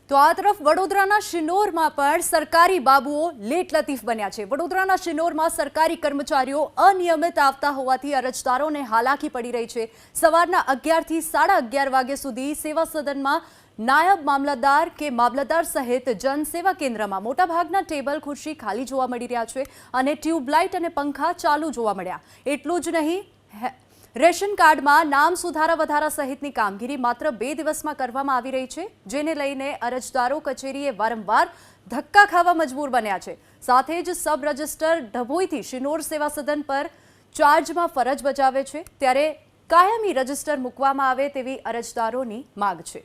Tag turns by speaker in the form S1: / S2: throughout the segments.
S1: તો આ તરફ વડોદરાના શિનોરમાં પણ સરકારી બાબુઓ લેટ લતીફ બન્યા છે। વડોદરાના શિનોરમાં સરકારી કર્મચારીઓ અનિયમિત આવતા હોવાથી અરજદારોને હાલાકી પડી રહી છે। સવારના 11 થી 11:30 વાગ્યા સુધી સેવા સદનમાં નાયબ મામલતદાર કે મામલતદાર સહિત જનસેવા કેન્દ્રમાં મોટાભાગના ટેબલ ખુરશી ખાલી જોવા મળી રહ્યા છે અને ટ્યુબલાઇટ અને પંખા ચાલુ જોવા મળ્યા। એટલું જ નહીં, રેશન કાર્ડમાં નામ સુધારા વધારા સહિતની કામગીરી માત્ર 2 દિવસમાં કરવામાં આવી રહી છે, જેને લઈને અરજદારો કચેરીએ વારંવાર ધક્કા ખાવા મજબૂર બન્યા છે। સાથે જ સબ રજિસ્ટર ડભોઈથી શિનોર સેવા સદન પર ચાર્જમાં ફરજ બજાવે છે, ત્યારે કાયમી રજિસ્ટર મૂકવામાં આવે તેવી અરજદારોની માંગ છે।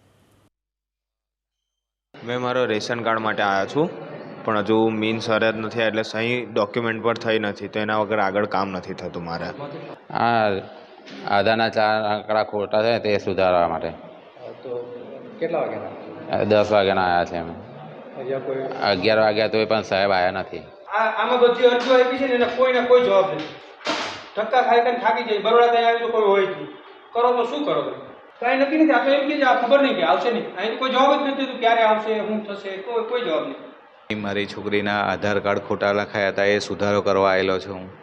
S2: मैं मारो रेशन कार्ड માટે આવ્યો છું, પણ હજુ મીન્સ અરજ નથી, એટલે સહી ડોક્યુમેન્ટ પર થઈ નથી, તો એના વગર આગળ કામ નથી થતું મારે।
S3: આ આધારના 4 આંકડા ખોટા છે તે સુધારવા માટે।
S4: તો કેટલા વાગ્યાના
S3: 10 વાગ્યાના આવ્યા છે અમે,
S4: અહીંયા કોઈ
S3: 11 વાગ્યા તોય પણ સાહેબ આવ્યા નથી।
S4: આમાં બધી અરજીઓ આપી છે ને એને કોઈને કોઈ જવાબ નથી। ધક્કા ખાઈ ખાઈને થાકી જાય। બરોડા ત્યાં આવી તો કોઈ હોય જ નહીં, કરો તો શું કરો? કાંઈ નક્કી નથી। આ તો એમ કે આ ખબર નહીં કે આવશે નહીં, અહીં કોઈ જવાબ જ નથી દીધું ક્યારે આવશે, શું થશે, કોઈ જવાબ નહીં।
S5: મારી છોકરીના આધાર કાર્ડ ખોટા લખાયા હતા, એ સુધારો કરવા આવેલો છું હું।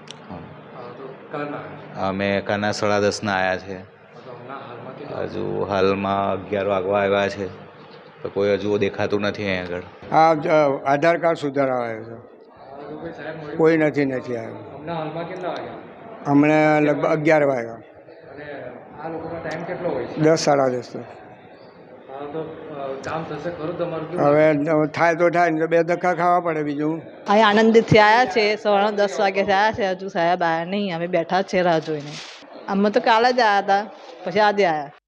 S5: અમે કાના 10:30 આવ્યા છે, હજુ હાલમાં 11 વાગવા આવ્યા છે, તો કોઈ હજુ દેખાતું નથી અહીં આગળ।
S6: હા, આધાર કાર્ડ સુધારવા આવ્યો છે, કોઈ નથી આવ્યું।
S4: હાલમાં કેટલા વાગ્યા?
S6: હમણાં લગભગ 11 વાગ્યા।
S4: અને આ લોકોનો ટાઈમ કેટલો હોય છે?
S6: 10 10:30।
S4: તો કામ થશે ખરું તમારું?
S6: હવે થાય તો થાય, ને તો 2 ધક્કા ખાવા પડે, બીજું।
S7: અહીં આનંદિતથી આવ્યા છે, સવારના 10 વાગ્યાથી આવ્યા છે, હજુ સાહેબ આવ્યા નહીં, અમે બેઠા જ છે રાહ જોઈને। અમે તો કાલે જ આવ્યા હતા, પછી આજે આવ્યા।